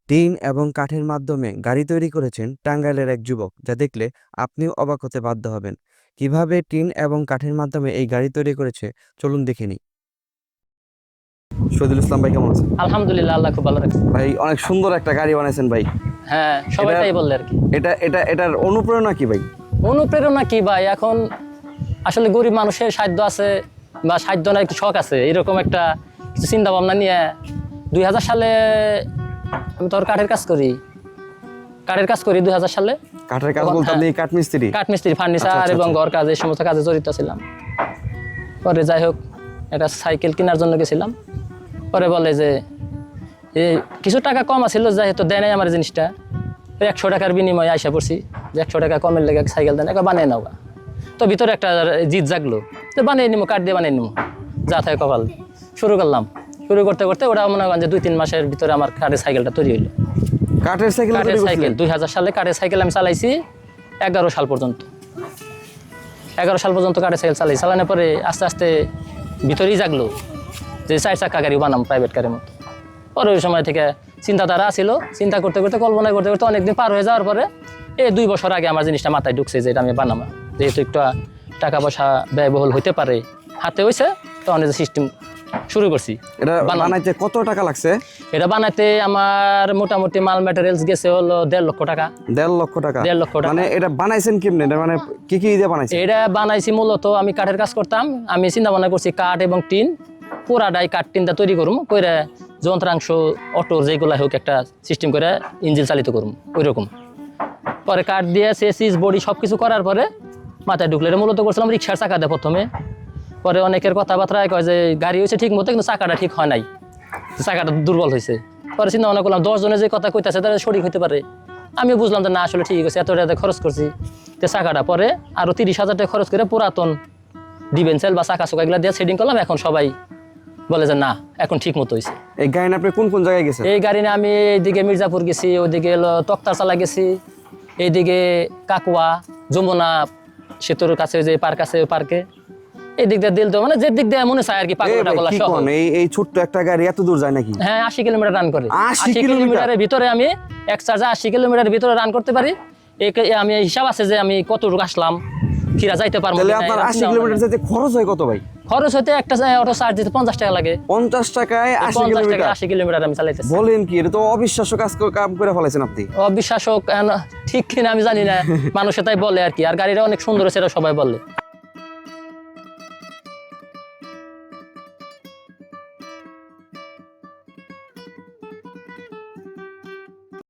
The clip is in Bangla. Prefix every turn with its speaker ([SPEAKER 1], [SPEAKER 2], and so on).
[SPEAKER 1] টিন এবং কাঠের মাধ্যমে গাড়ি তৈরি করেছেন টাঙ্গাইলের এক যুবক, যা দেখলে আপনিও অবাক হতে বাধ্য হবেন। কিভাবে টিন এবং কাঠের মাধ্যমে এই গাড়ি তৈরি করেছে, চলুন দেখে নিই। শহীদুল ইসলাম ভাই, কেমন আছেন?
[SPEAKER 2] আলহামদুলিল্লাহ, আল্লাহ খুব ভালো রাখছে।
[SPEAKER 1] ভাই, অনেক সুন্দর একটা গাড়ি বানাইছেন ভাই।
[SPEAKER 2] হ্যাঁ, সবাই তাই বললে আর কি।
[SPEAKER 1] এটার অনুপ্রেরণা কি ভাই?
[SPEAKER 2] অনুপ্রেরণা কি ভাই, এখন আসলে গরিব মানুষের সাধ্য আছে বা সাধ্য না, একটু শখ আছে, এরকম একটা কিছু চিন্তা ভাবনা নিয়ে 2000 সালে আমি তোর কাঠের কাজ করি 2000 সালে।
[SPEAKER 1] কাঠের কাজ বলতে আপনি
[SPEAKER 2] কাঠমিস্ত্রি, ফার্নিচার এবং ঘর কাজ, এই সমস্ত কাজে জড়িত ছিলাম। পরে যাই হোক, একটা সাইকেল কেনার জন্য গেছিলাম। পরে বলে যে কিছু টাকা কম আছিল, যাই হোক দেয় নাই আমার জিনিসটা। 100 টাকার বিনিময়ে আইসা পড়ছি যে 100 টাকা কমের লেগে সাইকেল দেন, একবার বানিয়ে নাও। তো ভিতরে একটা জিদ জাগলো, তো বানিয়ে নিবো, কাঠ দিয়ে বানিয়ে নিবো, যা থাকে কপাল। শুরু করতে করতে ওরা মনে করেন যে 2-3 মাসের ভিতরে আমার কাঠের সাইকেলটা তৈরি হইলো।
[SPEAKER 1] কাঠের সাইকেল
[SPEAKER 2] 2000 সালে কাঠের সাইকেল আমি চালাইছি 11 সাল পর্যন্ত। 11 সাল পর্যন্ত কাঠের সাইকেল চালানোর পরে আস্তে আস্তে ভিতরেই জাগলো যে 4 চাকা গাড়ি বানাম, প্রাইভেট গাড়ির মতো। পরে ওই সময় থেকে চিন্তাধারা ছিল, চিন্তা করতে করতে, কল্পনা করতে করতে অনেকদিন পার হয়ে যাওয়ার পরে 2 বছর আগে আমার জিনিসটা মাথায় ঢুকছে যে এটা আমি বানাবো, যেহেতু একটু টাকা পয়সা ব্যয়বহুল হইতে পারে, হাতে হয়েছে, তখন এই সিস্টেম শুরু করছি।
[SPEAKER 1] এটা বানাইতে কত টাকা লাগছে?
[SPEAKER 2] এটা বানাইতে আমার মোটামুটি মাল ম্যাটেরিয়ালস গেছে হলো 1.5 লক্ষ টাকা।
[SPEAKER 1] 1.5 লক্ষ টাকা?
[SPEAKER 2] 1.5 লক্ষ টাকা।
[SPEAKER 1] মানে এটা বানাইছেন কেমনে? মানে কি দিয়ে বানাইছেন?
[SPEAKER 2] এটা বানাইছি মূলত আমি কাঠের কাজ করতাম, আমি চিন্তা ভাবনা করছি কাঠ এবং টিন পুরাটাই কাঠ টিনটা তৈরি করুম, করে যন্ত্রাংশ অটোর যেগুলো হোক একটা সিস্টেম করে ইঞ্জিন চালিত করুম ওইরকম। পরে কাঠ দিয়ে চেসিস বডি সব কিছু করার পরে মাথায় ঢুকলে এটা মূলত করছিলাম রিক্সার চাকা দিয়ে প্রথমে। পরে অনেকের কথাবার্তা কয় যে গাড়ি হয়েছে ঠিক মতো, কিন্তু চাকাটা ঠিক হয় নাই, চাকাটা দুর্বল হয়েছে। পরে চিন্তা ভাবনা করলাম 10 জনে যে কথা কইতেছে তারা সঠিক হইতে পারে। আমিও বুঝলাম যে না, আসলে ঠিক আছে, এত টাকা খরচ করছি তো চাকাটা। পরে আরো 30,000 টাকা খরচ করে পুরাতন ডিভেন্সেল বা চাকা চোকা এগুলো দিয়ে সেটিং করলাম। এখন সবাই বলে যে না, এখন ঠিক মতো হয়েছে।
[SPEAKER 1] এই গাড়ি আপনি কোন কোন জায়গায় গেছেন?
[SPEAKER 2] এই গাড়ি নিয়ে আমি এইদিকে মির্জাপুর গেছি, ওইদিকে হলো তক্তারচালা গেছি, এইদিকে কাকুয়া, যমুনা সেতুর কাছে যে পার্ক আছে, ওই পার্কে এই দিক দিয়ে দিল তো, মানে যে দিক দিয়ে মনে চায় আর কি। পাগলটা বলা সহ
[SPEAKER 1] এই ছোট্ট একটা গাড়ি এত দূর যায় নাকি?
[SPEAKER 2] হ্যাঁ, 80 কিলোমিটার রান করে।
[SPEAKER 1] 80
[SPEAKER 2] কিলোমিটারের ভিতরে আমি এক চার্জে 80 কিলোমিটারের ভিতরে রান করতে পারি। আমি হিসাব আছে যে আমি কতটুকু আসলাম, ফিরা যাইতে পারবো।
[SPEAKER 1] তাহলে আপনার 80 কিলোমিটার যেতে খরচ হয় কত ভাই?
[SPEAKER 2] খরচ হতে একটা অটো চার্জ দিতে 50 টাকা লাগে।
[SPEAKER 1] 50 টাকায় 80
[SPEAKER 2] কিলোমিটার আমি চালাইতেছি।
[SPEAKER 1] বলেন কি? এটা তো অবিশ্বাস্য কাম করে ফেলাইছেন আপনি।
[SPEAKER 2] অবিশ্বাস্য ঠিক কিনা আমি জানি না, মানুষে তাই বলে আর কি। আর গাড়িটা অনেক সুন্দর, সেটা সবাই বলে।